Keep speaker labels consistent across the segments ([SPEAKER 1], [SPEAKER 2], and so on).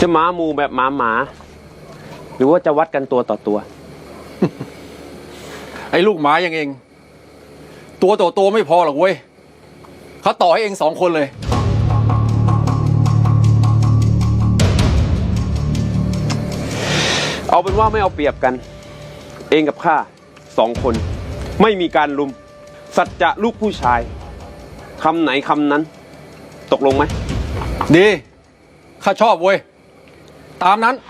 [SPEAKER 1] จะหมาหมูแบบหมาหรือว่าจะวัดกันตัวต่อตัว
[SPEAKER 2] ไอ้ลูกหมาอย่างเองตัวต่อตัวไม่พอหรอกเว้ยเขาต่อให้เอง2 คนเลย
[SPEAKER 1] เอาเป็นว่าไม่เอาเปรียบกัน เองกับข้า2 คนไม่มีการลุมสัจจะลูกผู้ชายคำไหนคำนั้นตกลงไหม
[SPEAKER 2] ดีข้าชอบเว้ยตามนั้น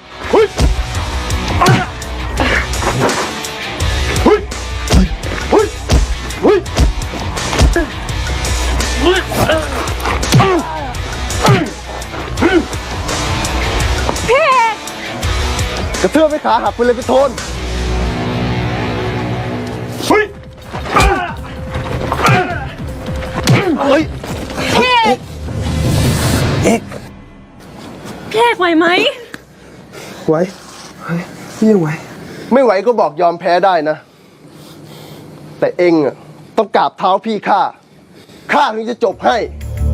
[SPEAKER 3] กระเทือบไปขาหักไปเลยพี่โทนเฮ้ยเอก
[SPEAKER 4] พี่เอกไหวไหม
[SPEAKER 3] ไหวพี่ยังไหวไม่ไหวก็บอกยอมแพ้ได้นะแต่เองอ่ะต้องกราบเท้าพี่ข้าถึงจะจบให้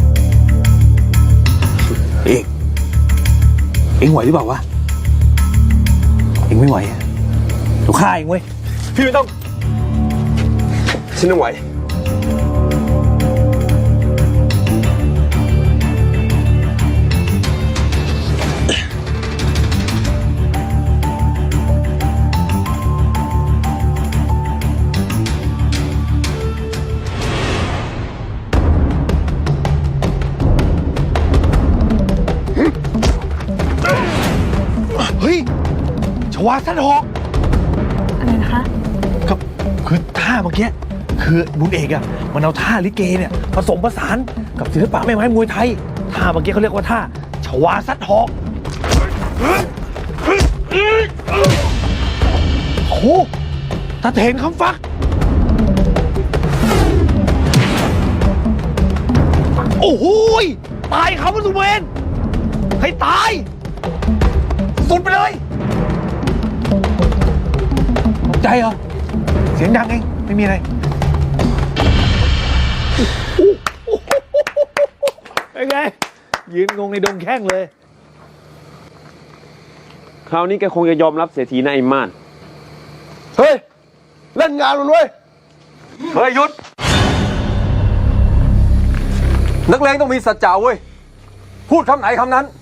[SPEAKER 5] เอ็งไหวหรือเปล่าวะเอ็งไม่ไหวเดี๋ยวฆ่าเองเว้ย
[SPEAKER 3] พี่ไม่ต้องฉันต้องไหว
[SPEAKER 5] เฮ้ยชวาสันหอก
[SPEAKER 4] อะไรนะคะ
[SPEAKER 5] ครับคือท่าเมื่อกี้คือบุญเอกอะมันเอาท่าลิเกเนี่ยผสมผสานกับศิลปะแม่ไม้มวยไทยท่าเมื่อกี้เขาเรียกว่าท่าชวาสันหอกโอ้โหตาเถนคำฟักโอ้โหตายเขาเป็นสุเวนให้ตายสุดไปเลยตกใจเหรอเสียงดังเองไม่มีอะไรเป็นไงยืนงงในดงแข้งเลย
[SPEAKER 1] คราวนี้แกคงจะยอมรับเสียทีนะไอ้ม่าน
[SPEAKER 3] เฮ้ยเล่นงานมันเว้ย
[SPEAKER 2] เฮ้ยหยุดนักเลงต้องมีสัจจะเว้ยพูดคำไหนคำนั้น